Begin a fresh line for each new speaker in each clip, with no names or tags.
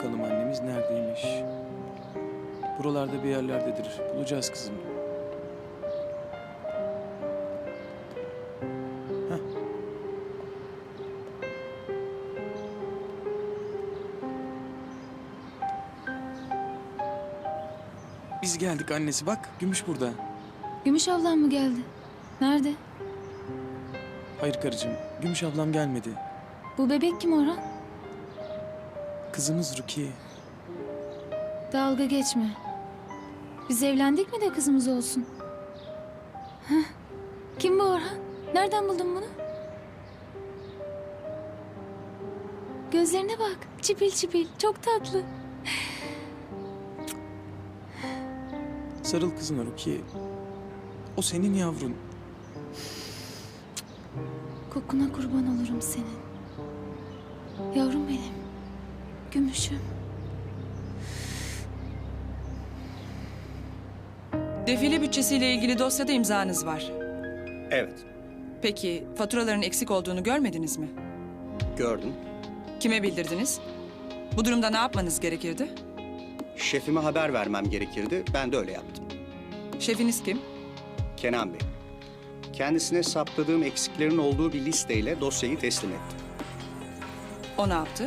bakalım annemiz neredeymiş. Buralarda bir yerlerdedir. Bulacağız kızım. Heh. Biz geldik annesi, bak Gümüş burada.
Gümüş ablam mı geldi? Nerede?
Hayır karıcığım, Gümüş ablam gelmedi.
Bu bebek kim Orhan?
Kızımız Rukiye.
Dalga geçme. Biz evlendik mi de kızımız olsun? Heh. Kim bu Orhan? Nereden buldun bunu? Gözlerine bak. Çipil çipil. Çok tatlı.
Sarıl kızına Rukiye. O senin yavrun.
Kokuna kurban olurum senin. Yavrum benim. Gümüşüm.
Defile bütçesiyle ilgili dosyada imzanız var.
Evet,
Peki faturaların eksik olduğunu görmediniz mi?
gördüm.
Kime bildirdiniz? Bu durumda ne yapmanız gerekirdi?
Şefime haber vermem gerekirdi. Ben de öyle yaptım.
Şefiniz kim?
Kenan Bey. Kendisine saptadığım eksiklerin olduğu bir listeyle dosyayı teslim ettim.
O ne yaptı?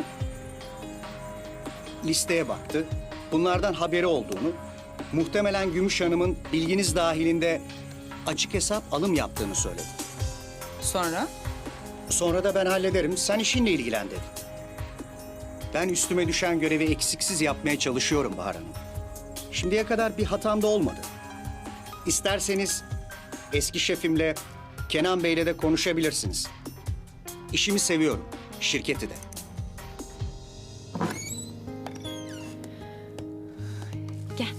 Listeye baktı. Bunlardan haberi olduğunu, muhtemelen Gümüş Hanım'ın bilginiz dahilinde açık hesap alım yaptığını söyledi.
Sonra?
Sonra da ben hallederim, sen işinle ilgilen dedi. Ben üstüme düşen görevi eksiksiz yapmaya çalışıyorum Bahar Hanım. Şimdiye kadar bir hatam da olmadı. İsterseniz eski şefimle, Kenan Bey'le de konuşabilirsiniz. İşimi seviyorum, şirketi de.
Gel.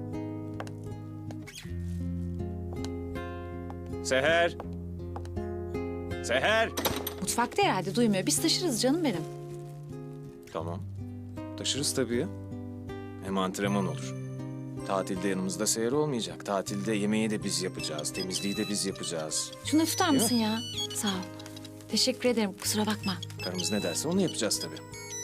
Seher! Seher!
Mutfakta herhalde duymuyor. Biz taşırız canım benim.
Tamam. Taşırız tabii ya. Hem antrenman olur. Tatilde yanımızda Seher olmayacak. Tatilde yemeği de biz yapacağız. Temizliği de biz yapacağız.
Şunu da tutar
Değil mi?
mısın ya? Sağ ol. Teşekkür ederim. Kusura bakma.
Karımız ne derse onu yapacağız tabii.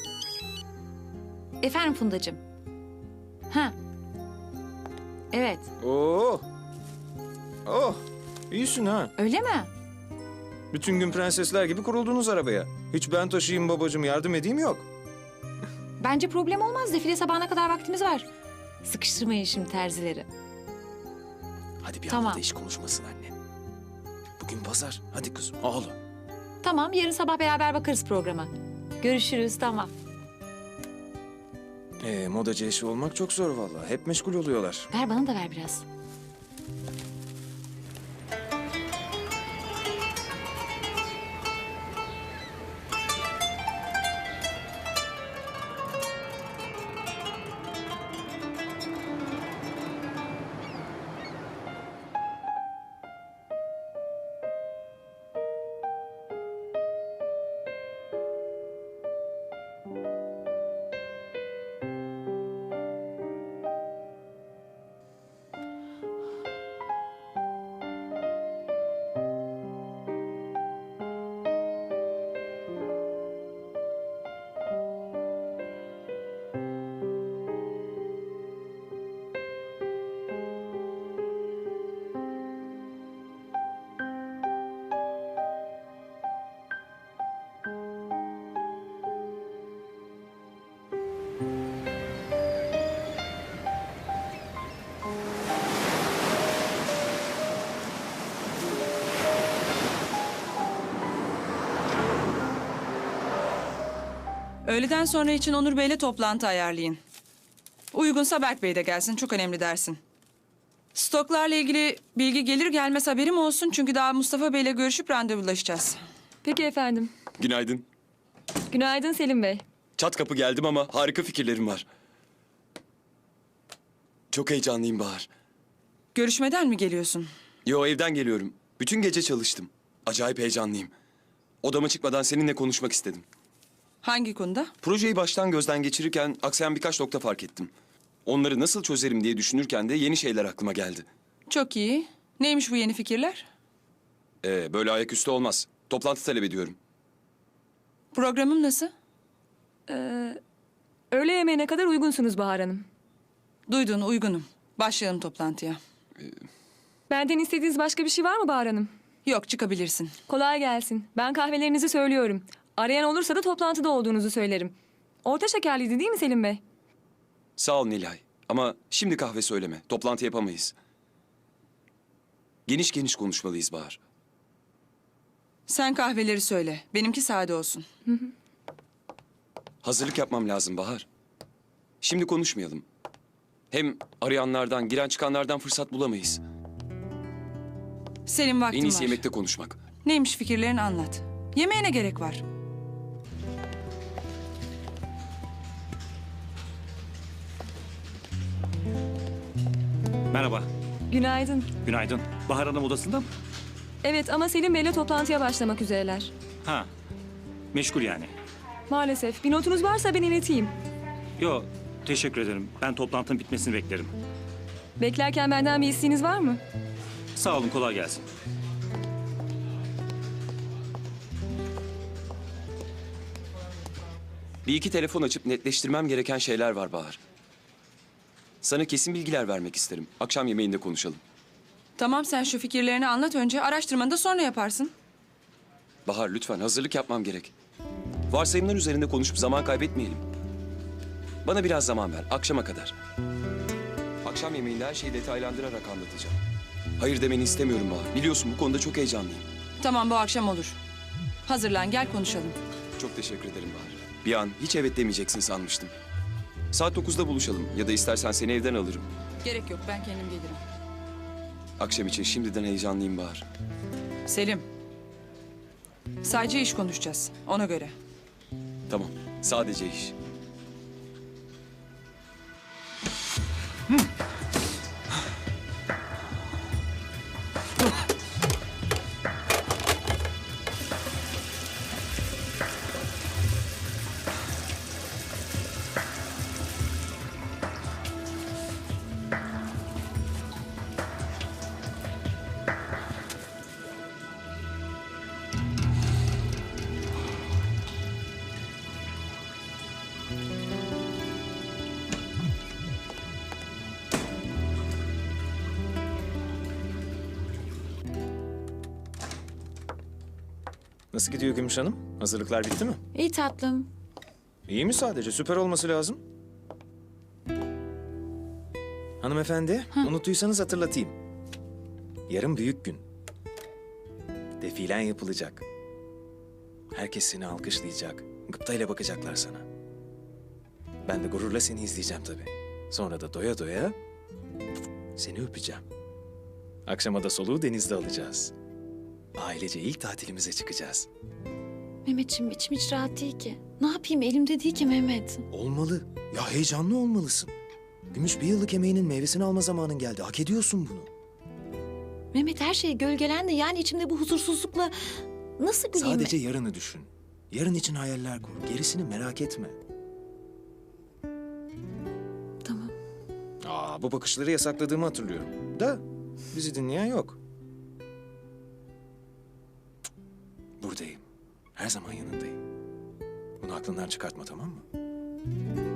Efendim Fundacığım. Ha. Evet.
Oo! Oh! İyisin ha.
Öyle mi?
Bütün gün prensesler gibi kuruldunuz arabaya. Hiç ben taşıyayım babacığım, yardım edeyim yok.
Bence problem olmaz. Defile sabahına kadar vaktimiz var. Sıkıştırmayın şimdi terzileri.
Hadi bir
Tamam.
anda iş konuşmasın anne. Bugün pazar. Hadi kızım, ağla.
Tamam, yarın sabah beraber bakarız programa. Görüşürüz, tamam.
Modacı eşi olmak çok zor vallahi. Hep meşgul oluyorlar.
Ver bana da ver biraz.
Öğleden sonra için Onur Bey'le toplantı ayarlayın. Uygunsa Berk Bey de gelsin. Çok önemli dersin. Stoklarla ilgili bilgi gelir gelmez haberim olsun. Çünkü daha Mustafa Bey'le görüşüp randevulaşacağız.
Peki efendim.
Günaydın.
Günaydın Selim Bey.
Çat kapı geldim ama harika fikirlerim var. Çok heyecanlıyım Bahar.
Görüşmeden mi geliyorsun?
Yo, evden geliyorum. Bütün gece çalıştım. Acayip heyecanlıyım. Odama çıkmadan seninle konuşmak istedim.
Hangi konuda?
Projeyi baştan gözden geçirirken aksayan birkaç nokta fark ettim. Onları nasıl çözerim diye düşünürken de yeni şeyler aklıma geldi.
Çok iyi. Neymiş bu yeni fikirler?
Böyle ayaküstü olmaz. Toplantı talep ediyorum.
Programım nasıl?
Öğle yemeğine kadar uygunsunuz Bahar Hanım.
Duydun, uygunum. Başlayalım toplantıya.
Benden istediğiniz başka bir şey var mı Bahar Hanım?
Yok, çıkabilirsin.
Kolay gelsin. Ben kahvelerinizi söylüyorum. Arayan olursa da toplantıda olduğunuzu söylerim. Orta şekerliydi değil mi Selim Bey?
Sağ ol Nilay. Ama şimdi kahve söyleme. Toplantı yapamayız. Geniş geniş konuşmalıyız Bahar.
Sen kahveleri söyle. Benimki sade olsun.
Hazırlık yapmam lazım Bahar. Şimdi konuşmayalım. Hem arayanlardan, giren çıkanlardan fırsat bulamayız.
Selim, vaktim
En iyisi
var.
yemekte konuşmak.
Neymiş fikirlerini anlat. Yemeğe ne gerek var?
Merhaba,
Günaydın.
günaydın. Bahar Hanım odasında mı?
Evet ama Selim Bey'le toplantıya başlamak üzereler.
Ha, meşgul yani.
Maalesef. Bir notunuz varsa ben ileteyim.
Yo, teşekkür ederim. Ben toplantının bitmesini beklerim.
Beklerken benden bir isteğiniz var mı?
Sağ olun, kolay gelsin.
Bir iki telefon açıp netleştirmem gereken şeyler var Bahar. Sana kesin bilgiler vermek isterim. Akşam yemeğinde konuşalım.
Tamam, sen şu fikirlerini anlat önce. Araştırmanı da sonra yaparsın.
Bahar lütfen hazırlık yapmam gerek. Varsayımlar üzerinde konuşup zaman kaybetmeyelim. Bana biraz zaman ver, akşama kadar. Akşam yemeğinde her şeyi detaylandırarak anlatacağım. Hayır demeni istemiyorum Bahar. Biliyorsun bu konuda çok heyecanlıyım.
Tamam, bu akşam olur. Hazırlan, gel konuşalım.
Çok teşekkür ederim Bahar. Bir an hiç evet demeyeceksin sanmıştım. Saat 9'da buluşalım ya da istersen seni evden alırım.
Gerek yok, ben kendim gelirim.
Akşam için şimdiden heyecanlıyım Bahar.
Selim. Sadece iş konuşacağız, ona göre.
Tamam, sadece iş.
Nasıl gidiyor Gümüş Hanım? Hazırlıklar bitti mi?
İyi tatlım.
İyi mi sadece? Süper olması lazım. Hanımefendi, unuttuysanız hatırlatayım. Yarın büyük gün. Defilen yapılacak. Herkes seni alkışlayacak. Gıptayla bakacaklar sana. Ben de gururla seni izleyeceğim tabii. Sonra da doya doya seni öpeceğim. Akşama da soluğu denizde alacağız. Ailece ilk tatilimize çıkacağız.
Mehmetciğim içim hiç rahat değil ki. Ne yapayım elimde değil ki Mehmet.
Olmalı. Ya heyecanlı olmalısın. Gümüş bir yıllık emeğinin meyvesini alma zamanın geldi. Hak ediyorsun bunu.
Mehmet her şey gölgelendi yani içimde bu huzursuzlukla nasıl güleyim?
Sadece yarını düşün. Yarın için hayaller kur. Gerisini merak etme.
Tamam.
Bu bakışları yasakladığımı hatırlıyorum. Da bizi dinleyen yok. Cık, buradayım. Her zaman yanındayım. Bunu aklından çıkartma, tamam mı?